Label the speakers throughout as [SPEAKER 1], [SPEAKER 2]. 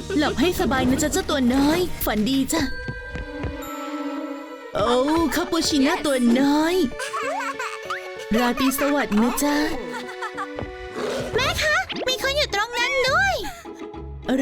[SPEAKER 1] หลับให้สบายนะจ๊ะเจ้าตัวน้อยฝันดีจ้ะโอ้คาปูชิน่าตัวน้อยราตรีสวัสดิ์นะจ๊ะแม่คะมีคนอยู่ตรงนั้นด้วยอะไร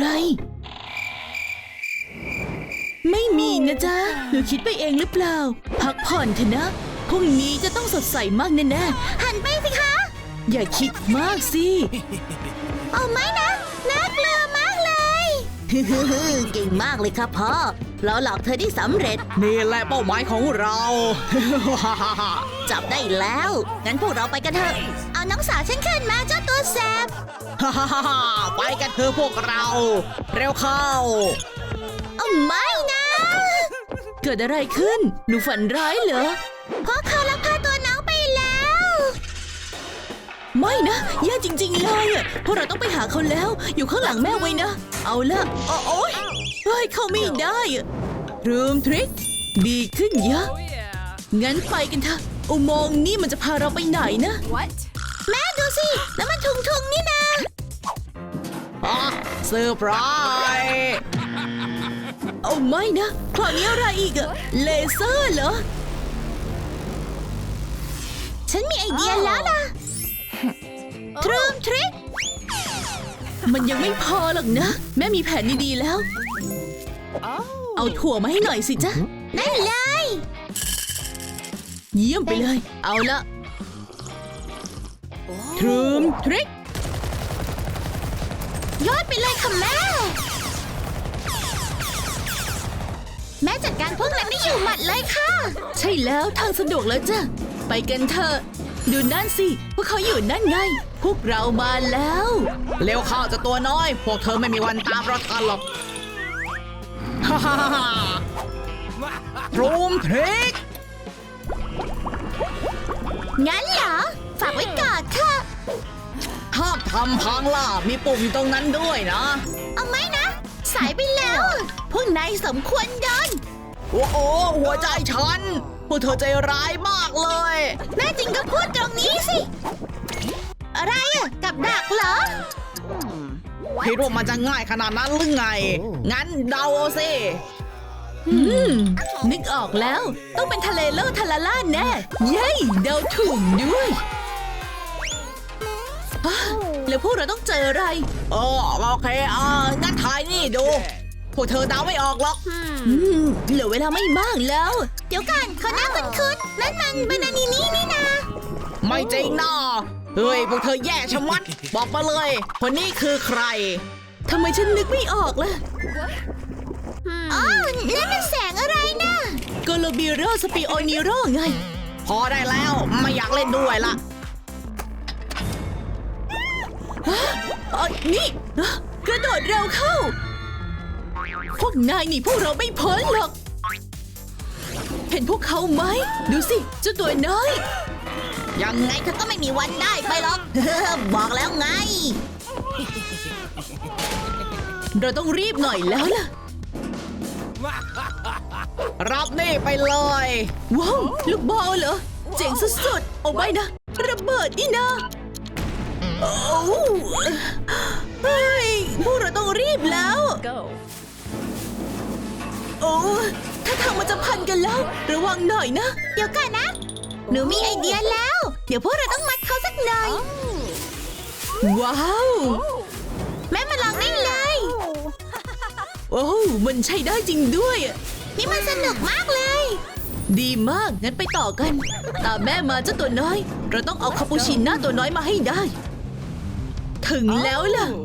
[SPEAKER 1] ไม่มีนะจ๊ะหนูคิดไปเองหรือเปล่าพักผ่อนเถอะนะพรุ่งนี้จะต้องสดใสมากแน่ๆหันไปสิคะอย่าคิดมากสิเอาไม่นะน่ากลัวมากเลยเก่งมากเลยครับพ่อเราหลอกเธอได้สำเร็จ
[SPEAKER 2] นี่แหละเป้าหมายของเรา
[SPEAKER 1] จับได้แล้วงั้นพวกเราไปกันเถอะเอาน้องสาวฉันขึ้นมาเจ้าตัวแสบ
[SPEAKER 2] ไปกันเถอะพวกเราเร็วเข้า
[SPEAKER 1] เอาไม่นะเกิดอะไรขึ้นหนูฝันร้ายเหรอเพราะเขาลักพาตัวน้องไปแล้วไม่นะแย่จริงๆเลยอ่ะพวกเราต้องไปหาเขาแล้วอยู่ข้างหลังแม่ไว้นะเอาละโอ๊ยเฮ้ยเขาไม่ได้รูมทริคดีขึ้นเยอะงั้นไปกันเถอะอุโมงค์นี่มันจะพาเราไปไหนนะ
[SPEAKER 3] What?
[SPEAKER 1] แม่ดูสิแล้วมันทุงนี่นะ
[SPEAKER 2] เซอร์ไพรส์
[SPEAKER 1] เอาไม่นะคราวนี้อะไรอีกอะเลเซอร์เหรอฉันมีไอเดียแล้วล่ะทรูมทริคมันยังไม่พอหรอกนะแม่มีแผนดีๆแล้วเอาถั่วมาให้หน่อยสิจ๊ะได้เลยเยี่ยมไปเลยเอาละทรูมทริคยอดไปเลยค่ะแม่จัดการพวกนั้นได้อยู่หมัดเลยค่ะใช่แล้วทางสะดวกแล้วจ้ะไปกันเถอะดูนั่นสิพวกเขาอยู่นั่นไงพวกเรามาแล้ว
[SPEAKER 2] เร็วเข้าจะตัวน้อยพวกเธอไม่มีวันตามเราทันหรอกทรูมทริค
[SPEAKER 1] งั้นเหรอฝากไว้ก่อนค่ะ
[SPEAKER 2] ห้ามทำพังล่ะมีปุ่มอยู่ตรงนั้นด้วยนะ
[SPEAKER 1] เอาไหมนะสายไปแล้วพวกนายสมควรโดน
[SPEAKER 2] โอ้โหหัวใจฉันพวกเธอใจร้ายมากเลย
[SPEAKER 1] แม่จริงก็พูดตรงนี้สิอะไรอะกับดักเหรอ
[SPEAKER 2] คิดว่ามันจะง่ายขนาดนั้นหรือไง งั้นเดาเอาสิ
[SPEAKER 1] นึกออกแล้วต้องเป็นทะเลโลทาลาล่าแน่เย้เดาถูกด้วยฮะแล้วพวกเราต้องเจออะไร
[SPEAKER 2] โอเคงั้นถ่ายนี่ดู พวกเธอเดาไม่ออกหรอก
[SPEAKER 1] เหลือเวลาไม่มากแล้ว เดี๋ยวก่อนเขาหน้าคุ้นๆนั่นมันบานานีนี่นะ
[SPEAKER 2] ไม่จริงนะเฮ้ยพวกเธอแย่ชะมัด บอกมาเลย คนนี้คือใคร
[SPEAKER 1] ทำไมฉันนึกไม่ออกล่ะอ๋อนั่นมันแสงอะไรนะโกโลบิโรสปิโอนิโรไง
[SPEAKER 2] พอได้แล้วไม่อยากเล่นด้วยละ
[SPEAKER 1] นี่กระโดดเร็วเข้า พวกนายหนีพวกเราไม่พ้นหรอก เห็นพวกเขาไหม ดูสิเจ้าตัวน้อย
[SPEAKER 2] ยังไงเธอก็ไม่มีวันได้ไปหรอก
[SPEAKER 1] บอกแล้วไง เราต้องรีบหน่อยแล้วล่ะ
[SPEAKER 2] รับนี่ไปเลย
[SPEAKER 1] ว้าวลูกบอลเหรอ เจ๋งสุดๆเอาไว้นะ ระเบิดนี่นะโอ้เฮ้ยพวกเราต้องรีบแล้ว
[SPEAKER 3] Go.
[SPEAKER 1] โอ้ถ้าทางมันจะพันกันแล้ว ระวังหน่อยนะ เดี๋ยวก่อนนะ หนูมีไอเดียแล้ว เดี๋ยวพวกเราต้องมัดเขาสักหน่อย ว้าว แม่มาลองได้เลย โอ้มันใช้ได้จริงด้วยนี่มันสนุกมากเลย ดีมาก งั้นไปต่อกัน ตามแม่มาเจ้าตัวน้อย เราต้องเอาคาปูชิน่าตัวน้อยมาให้ได้ ถึงแล้วล่ะ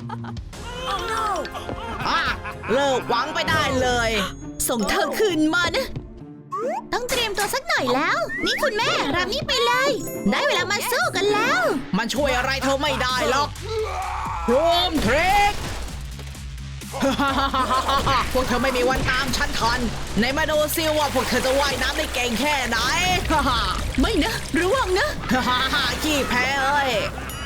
[SPEAKER 2] เลิกหวังไปได้เลย
[SPEAKER 1] ส่งเธอคืนมานะ ต้องเตรียมตัวสักหน่อยแล้ว นี่คุณแม่รับนี่ไปเลย ได้เวลามาสู้กันแล้ว
[SPEAKER 2] มันช่วยอะไรเธอไม่ได้หรอกรวมทริค พวกเธอไม่มีวันตามฉันทันในมาดูซิว่าพวกเธอจะว่ายน้ำได้เก่งแค่ไหน
[SPEAKER 1] ไม่นะระวังนะ
[SPEAKER 2] ขี้แพ้เอ้ย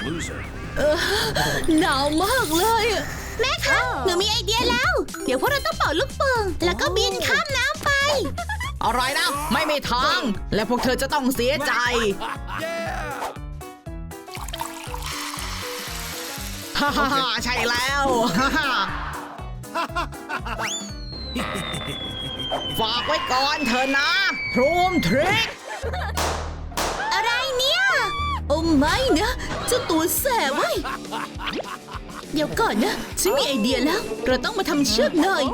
[SPEAKER 1] หนาวมากเลยแม่คะหนูมีไอเดียแล้ว เดี๋ยวพวกเราต้องเป่าลูกโป่งแล้วก็บินข้ามน้ำไป
[SPEAKER 2] อะไรนะ ไม่มีทาง และพวกเธอจะต้องเสียใจ ฮ่าฮ่าใช่แล้ว ฮ่าฮ่าฝากไว้ก่อนเถอะนะทรูมทริก
[SPEAKER 1] อะไรเนี่ย โอ้ไม่นะเจ้าตัวแสบเว้ยเดี๋ยวก่อนนะ ฉันมีไอเดียแล้ว เราต้องมาทำเชือกหน่อย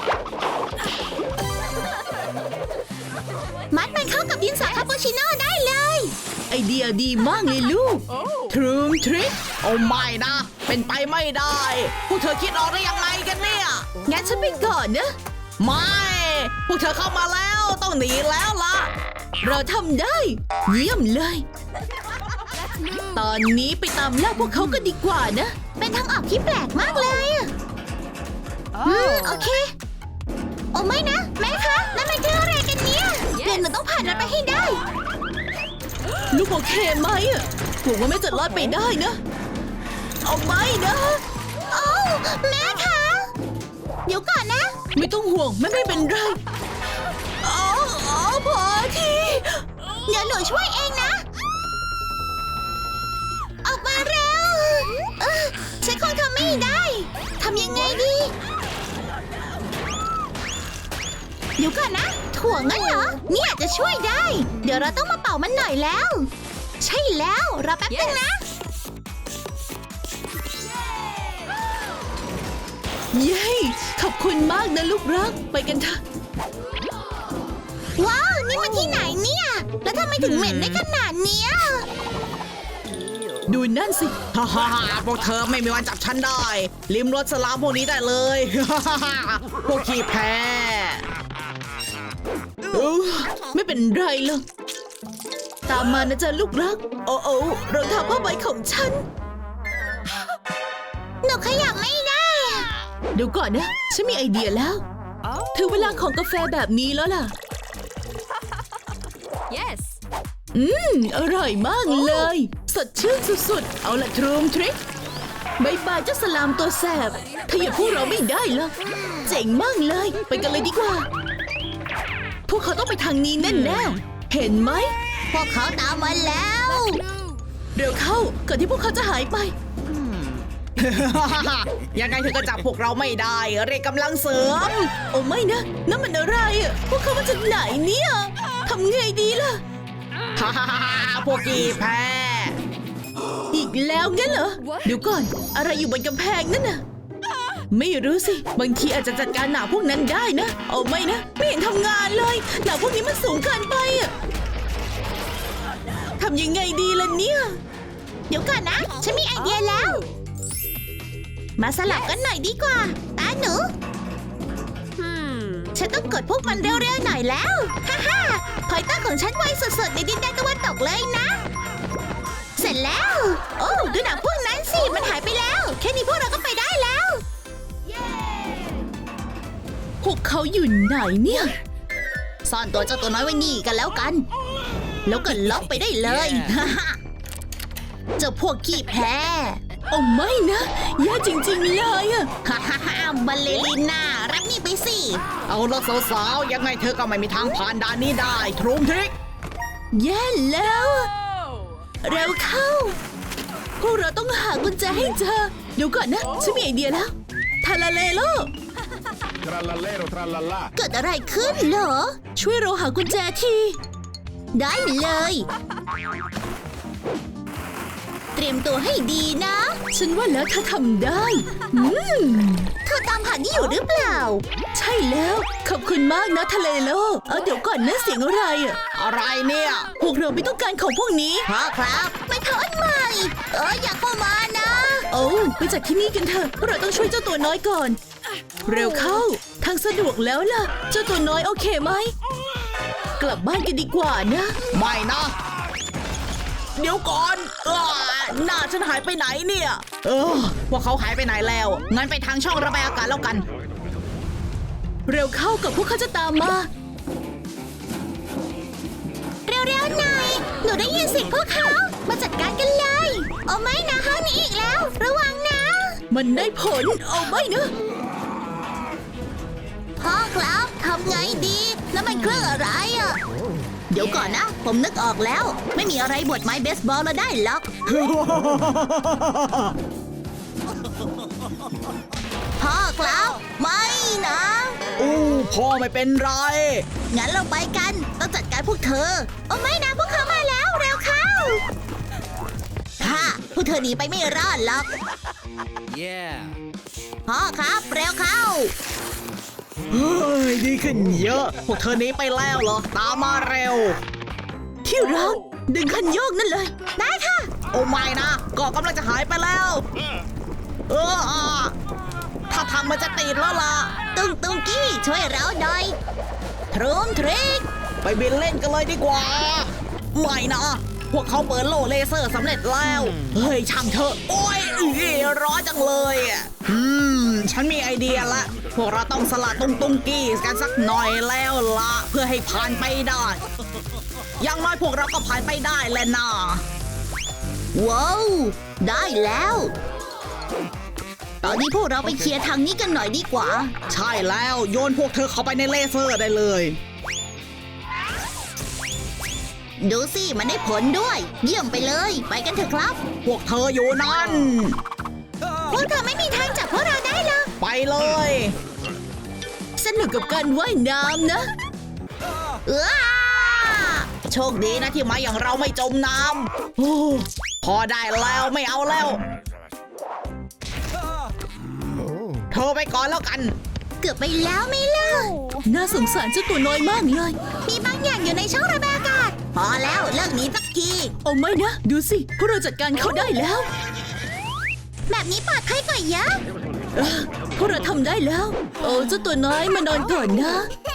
[SPEAKER 1] มัดมันเข้ากับดินสอคาปูชิโน่ได้เลย ไอเดียดีมากเลยลูกทรูมทริก
[SPEAKER 2] โอ้ไม่นะ เป็นไปไม่ได้ พวกเธอคิดออกได้ยังไงกันเนี่ย
[SPEAKER 1] งั้นฉันไปก่อนนะ
[SPEAKER 2] ไม่ พวกเธอเข้ามาแล้วต้องหนีแล้วล่ะ
[SPEAKER 1] เราทำได้ เยี่ยมเลย ตอนนี้ไปตามล่าพวกเขากันดีกว่านะ เป็นทางออกที่แปลกมากเลยอะโอเค โอ้ไม่นะ แม่คะนั่นมันคืออะไรกันเนี่ยเดี๋ยวหนูต้องผ่านมันไปให้ได้ ลูกโอเคไหมอะหวังว่าแม่จะรอดไปได้นะ เอาไม่นะโอ้แม่คะเดี๋ยวก่อนนะ ไม่ต้องห่วงแม่ไม่เป็นไรอ๋อพอทีเดี๋ยวหนูช่วยเองนะ ออกมาเร็วฉันคงทำไม่ได้ ทำยังไงดี เดี๋ยวก่อนนะ ถ่วงงั้นเหรอ นี่อาจจะช่วยได้ เดี๋ยวเราต้องมาเป่ามันหน่อยแล้ว ใช่แล้วรอแป๊บนึงนะ เย้ ขอบคุณมากนะลูกรัก ไปกันเถอะ ว้าว นี่มันที่ไหนเนี่ย แล้วทำไมถึงเหม็นได้ขนาดเนี้ย ดูนั่นสิ
[SPEAKER 2] ฮ่าฮ่าพวกเธอไม่มีวันจับฉันได้ ลิมรสสลามพวกนี้ได้เลย พวกขี้แพ้
[SPEAKER 1] ไม่เป็นไรหรอก ตามมานะจ๊ะลูกรัก โอ้รองเท้าผ้าใบของฉัน หนูขยับไม่ได้เดี๋ยวก่อนนะ ฉันมีไอเดียแล้ว ถึงเวลาของกาแฟแบบนี้แล้วล่ะ
[SPEAKER 3] Yes.
[SPEAKER 1] อร่อยมากเลย สดชื่นสุดๆ เอาละทรูมทริกบายบายเจ้าสลามตัวแสบเธออย่าพูดเราไม่ได้หรอกเจ๋งมากเลย ไปกันเลยดีกว่า พวกเขาต้องไปทางนี้แน่ๆเห็นไหม พวกเขาตามมาแล้ว เร็วเข้าก่อนที่พวกเขาจะหายไป
[SPEAKER 2] ยังไงเธอก็จับพวกเราไม่ได้ เรียกกำลังเสริม
[SPEAKER 1] โอ้ไม่นะนั่นมันอะไรอ่ะพวกเขามาจากไหนเนี่ยทำไงดีล่ะ
[SPEAKER 2] ฮ่าฮ่าฮ่าพวกขี้แพ้
[SPEAKER 1] อีกแล้วงั้นเหรอ เดี๋ยวก่อน อะไรอยู่บนกำแพงนั่นน่ะ ไม่รู้สิ บางทีอาจจะจัดการหนาพวกนั้นได้นะเอาไม่นะ ไม่เห็นทำงานเลยหนาพวกนี้มันสูงเกินไปอะทำยังไงดีล่ะเนี่ย เดี๋ยวก่อนนะ ฉันมีไอเดียแล้ว มาสลับกันหน่อยดีกว่าตาหนู ฉันต้องกดพวกมันเร็วๆหน่อยแล้ว ฮ่าพอยเตอร์ของฉันไวสุดๆในดินแดนตะวันตกเลยนะ เสร็จแล้ว โอ้ดูหนังพวกนั้นสิ มันหายไปแล้ว แค่นี้พวกเราก็ไปได้แล้ว พวกเขาอยู่ไหนเนี่ย ซ่อนตัวเจ้าตัวน้อยไว้นี่กันแล้วกัน แล้วก็ล็อกไปได้เลย เจ้าพวกขี้แพ้โอ้ไม่นะแย่จริงๆเลยอะบัลเลริน่ารับนี่ไปสิ
[SPEAKER 2] เอาละสาวๆยังไงเธอก็ไม่มีทางผ่านด่านนี้ได้ทรูมทริก
[SPEAKER 1] แย่แล้ว เร็วเข้า พวกเราต้องหากุญแจให้เจอ เดี๋ยวก่อนนะ ฉันมีไอเดียแล้ว ทาลาเลโล
[SPEAKER 4] Trallallero trallallà.
[SPEAKER 1] เกิดอะไรขึ้นเหรอ ช่วยเราหากุญแจที ได้เลย เตรียมตัวให้ดีนะ ฉันว่าแล้วเธอทำได้เธอตามหานี่อยู่หรือเปล่า ใช่แล้ว ขอบคุณมากนะทะเลโลเดี๋ยวก่อนนะเสียงอะไรอ่ะ
[SPEAKER 2] อะไรเนี่ย
[SPEAKER 1] พวกเราไม่ต้องการของพวกนี้พ่อครับไม่เท่าอันใหม่ อย่าเข้ามานะ โอ้ไปจากที่นี่กันเถอะเราต้องช่วยเจ้าตัวน้อยก่อน เร็วเข้า ทางสะดวกแล้วล่ะ เจ้าตัวน้อยโอเคไหม กลับบ้านกันดีกว่านะ
[SPEAKER 2] ไม่นะ เดี๋ยวก่อนหน้าฉันหายไปไหนเนี่ยพวกเขาหายไปไหนแล้ว งั้นไปทางช่องระบายอากาศแล้วกัน
[SPEAKER 1] เร็วเข้ากับพวกเขาจะตามมา เร็วๆหน่อย หนูได้ยินเสียงพวกเขา มาจัดการกันเลย เอาไม่นะห้องนี้อีกแล้ว ระวังนะ มันได้ผล เอาไม่นะพ่อครับทำไงดีแล้วมันเครื่องอะไรอ่ะ เดี๋ยวก่อนนะ ผมนึกออกแล้ว ไม่มีอะไรบดไม้เบสบอลเราได้หรอก พ่อครับ ไม่นะ
[SPEAKER 2] อู้พ่อไม่เป็นไร
[SPEAKER 1] งั้นเราไปกัน ต้องจัดการพวกเธอ โอ้ไม่นะพวกเขามาแล้ว เร็วเข้าฮ่าพวกเธอหนีไปไม่รอดหรอก
[SPEAKER 3] Yeah.
[SPEAKER 1] พ่อครับ เร็วเข้า
[SPEAKER 2] เฮ้ยดีขึ้นเยอะ พวกเธอหนีไปแล้วเหรอ ตามมาเร็ว
[SPEAKER 1] ที่รักดึงคันโยกนั่นเลย ได้ค่ะ
[SPEAKER 2] โอ้ไม่นะก็กำลังจะหายไปแล้ว ถ้าทางมันจะติดแล้วล่ะ
[SPEAKER 1] ตุงกี้ช่วยเราหน่อยทรูมทริก
[SPEAKER 2] ไปบินเล่นกันเลยดีกว่า ไม่นะ พวกเขาเปิดโล่เลเซอร์สำเร็จแล้ว เฮ้ยช่างเถอะ โอ้ยร้อนจังเลยอ่ะฉันมีไอเดียละ พวกเราต้องสละตุงกี้กันสักหน่อยแล้วละเพื่อให้ผ่านไปได้ อย่างน้อยพวกเราก็ผ่านไปได้แหละนะ
[SPEAKER 1] ว้าวได้แล้ว ตอนนี้พวกเราไปเคลียร์ทางนี้กันหน่อยดีกว่า
[SPEAKER 2] ใช่แล้วโยนพวกเธอเข้าไปในเลเซอร์ได้เลย
[SPEAKER 1] ดูสิมันได้ผลด้วย เยี่ยมไปเลย ไปกันเถอะครับ
[SPEAKER 2] พวกเธออยู่นั่น
[SPEAKER 1] พวกเธอไม่มีทางจับพวกเราได้หรอก
[SPEAKER 2] ไปเลย
[SPEAKER 1] สนุกกับการว่ายน้ำนะ
[SPEAKER 2] โชคดีนะที่มาอย่างเราไม่จมน้ำโอ้พอได้แล้วไม่เอาแล้ว เธอไปก่อนแล้วกัน
[SPEAKER 1] เกือบไปแล้วไม่เล่าน่าสงสารเจ้าตัวน้อยมากเลย มีบางอย่างอยู่ในช่องระบายอากาศ พอแล้วเลิกหนีสักทีโอ้ไม่นะ ดูสิ พวกเราจัดการเขาได้แล้ว แบบนี้ปลอดภัยกว่าเยอะพวกเราทำได้แล้ว โอ้เจ้าตัวน้อยมานอนก่อนนะ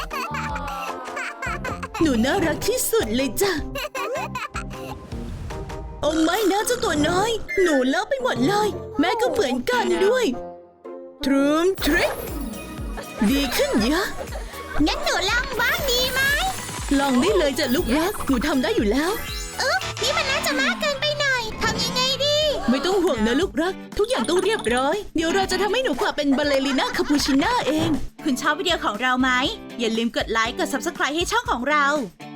[SPEAKER 1] หนูน่ารักที่สุดเลยจ้ะ โอ้ไม่นะเจ้าตัวน้อย หนูเลอะไปหมดเลย แม่ก็เหมือนกันด้วยทรูมทริกดีขึ้นเยอะ งั้นหนูลองบ้างดีไหม ลองได้เลยจ้ะลูกรัก หนูทำได้อยู่แล้วนี่มันน่าจะมากเกินไปหน่อย ทำยังไงดี ไม่ต้องห่วงนะลูกรัก ทุกอย่างต้องเรียบร้อย เดี๋ยวเราจะทำให้หนูกลับเป็นบัลเลริน่าคาปูชิน่าเอง คุณชอบวิดีโอของเราไหม อย่าลืมกดไลค์ กด Subscribe ให้ช่องของเรา